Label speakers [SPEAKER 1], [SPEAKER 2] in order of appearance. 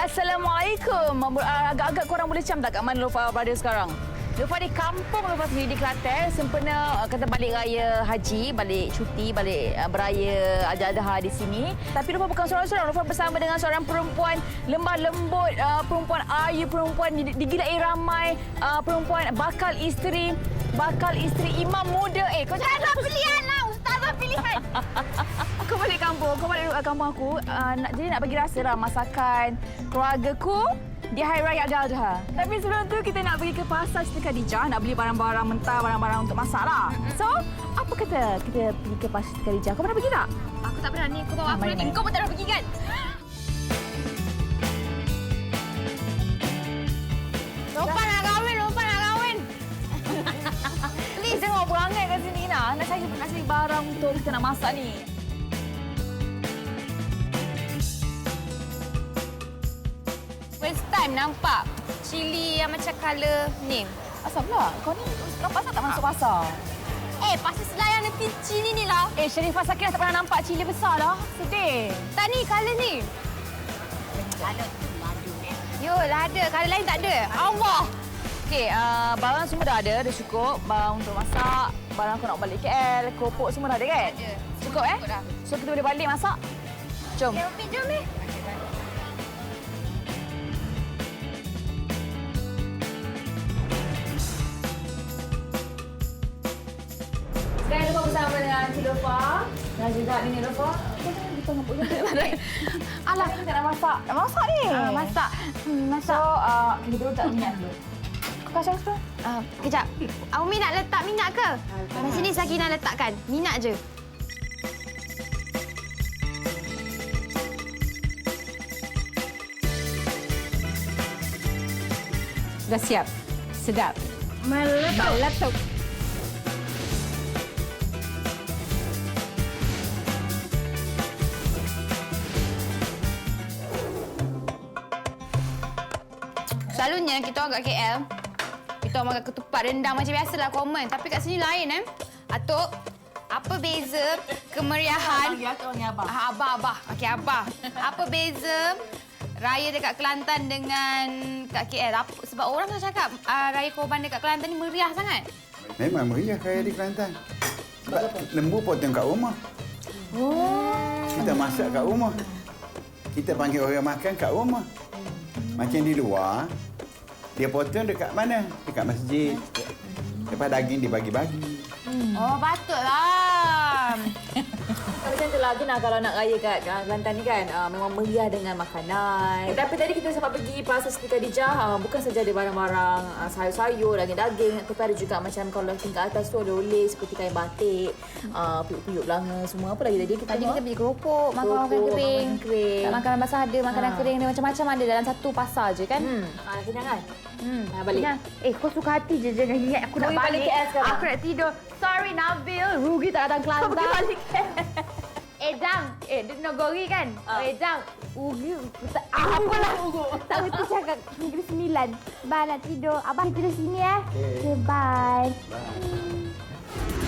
[SPEAKER 1] Assalamualaikum. Agak-agak korang boleh cam tak kat mana Lofa berada sekarang? Lofa di kampung Lofa sendiri di Kelantan. Sempena kata balik raya haji, balik cuti, balik beraya Adha-Adha di sini. Tapi Lofa bukan seorang-seorang. Lofa bersama dengan seorang perempuan lembah lembut, perempuan ayu, perempuan digilai ramai, perempuan bakal isteri imam muda. Kau jangan pilihan lah, ustazah pilihan. Kau balik kampung, kampung aku. Jadi nak bagi rasa lah masakan keluargaku di Hari Raya Adha-Adha. Tapi sebelum tu kita nak pergi ke pasar Siti Khadijah, nak beli barang-barang mentah, barang-barang untuk masak lah. So, apa kata kita pergi ke pasar Siti Khadijah? Kau pernah pergi tak?
[SPEAKER 2] Aku tak pernah ni. Kau tahu apa nanti? Kau pun tak pernah pergi kan? Lofa nak kahwin.
[SPEAKER 1] Please, jangan berangai kat sini nak. Nak cari barang untuk kita nak masak ni.
[SPEAKER 2] First time nampak cili yang macam colour ni.
[SPEAKER 1] Asal pula? Kau ni nampak tak masuk pasar?
[SPEAKER 2] Pasal Selayang nanti cili ni lah.
[SPEAKER 1] Sharifah Sakinah tak pernah nampak cili besar dah. Sedih.
[SPEAKER 2] Tak ni, colour ni. Colour tu ladu ni. Yo, lada. Colour lain tak ada. Allah.
[SPEAKER 1] Okey, barang semua dah ada cukup. Barang untuk masak, barang kau nak balik KL, keropok semua dah ada kan?
[SPEAKER 2] Ada.
[SPEAKER 1] Cukup
[SPEAKER 2] Cukup dah.
[SPEAKER 1] So kita boleh balik masak? Jom.
[SPEAKER 2] Okay, Umi, jom ni.
[SPEAKER 1] Sekarang Lofa bersama dengan Cik Lofa dan juga Nenek Lofa. Kita nak buat alah, kita nak masak. Nak masak ni?
[SPEAKER 2] Masak.
[SPEAKER 1] So, kita dulu tak minyak dulu. Kau kasih aku sepuluh?
[SPEAKER 2] Kejap. Umi nak letak minyak ke? Di sini Sakinah letakkan. Minyak je.
[SPEAKER 3] Dah siap. Sedap.
[SPEAKER 2] Meletup. Selalunya kita orang kat KL, kita orang makan ketupat rendang macam biasalah common. Tapi kat sini lain Atuk, apa beza kemeriahan? Abah. Okey, Abah. Apa beza raya dekat Kelantan dengan kat KL? Sebab orang tu cakap raya korban dekat Kelantan ni meriah sangat.
[SPEAKER 4] Memang meriah raya di Kelantan. Sebab lembu potong kat rumah. Kita masak kat rumah. Kita panggil orang makan kat rumah. Macam di luar, dia potong dekat mana? Dekat masjid. Lepas daging dibagi-bagi.
[SPEAKER 2] Oh, patutlah.
[SPEAKER 1] Macam tu lah, Gina, kalau nak raya kat Kelantan ni kan, memang meriah dengan makanan. Tapi tadi kita sempat pergi pasar Siti Khadijah, bukan saja ada barang-barang sayur-sayur, daging-daging, tapi ada juga macam kalau tingkat atas tu oleh-oleh seperti kain batik, piyuk-piyuk belanga, semua. Apa lagi tadi?
[SPEAKER 2] Tadi kita beli keropok, makan kering. Makanan basah ada, makanan kering ada, macam-macam ada dalam satu pasar je kan?
[SPEAKER 1] Nak kenyang kan? Balik.
[SPEAKER 2] Kau suka hati je jangan ingat aku nak
[SPEAKER 1] Kau balik KL sekarang.
[SPEAKER 2] Aku nak tidur. Sorry Nabil, rugi tak datang Kelantan.
[SPEAKER 1] Kau pergi balik KL.
[SPEAKER 2] Jang. Dia Nogori kan? Jang. Rugi. Apalah. Tak berhenti cakap. Negeri 9. Bye, nak tidur. Abang tidur sini Okay, bye.
[SPEAKER 4] Bye.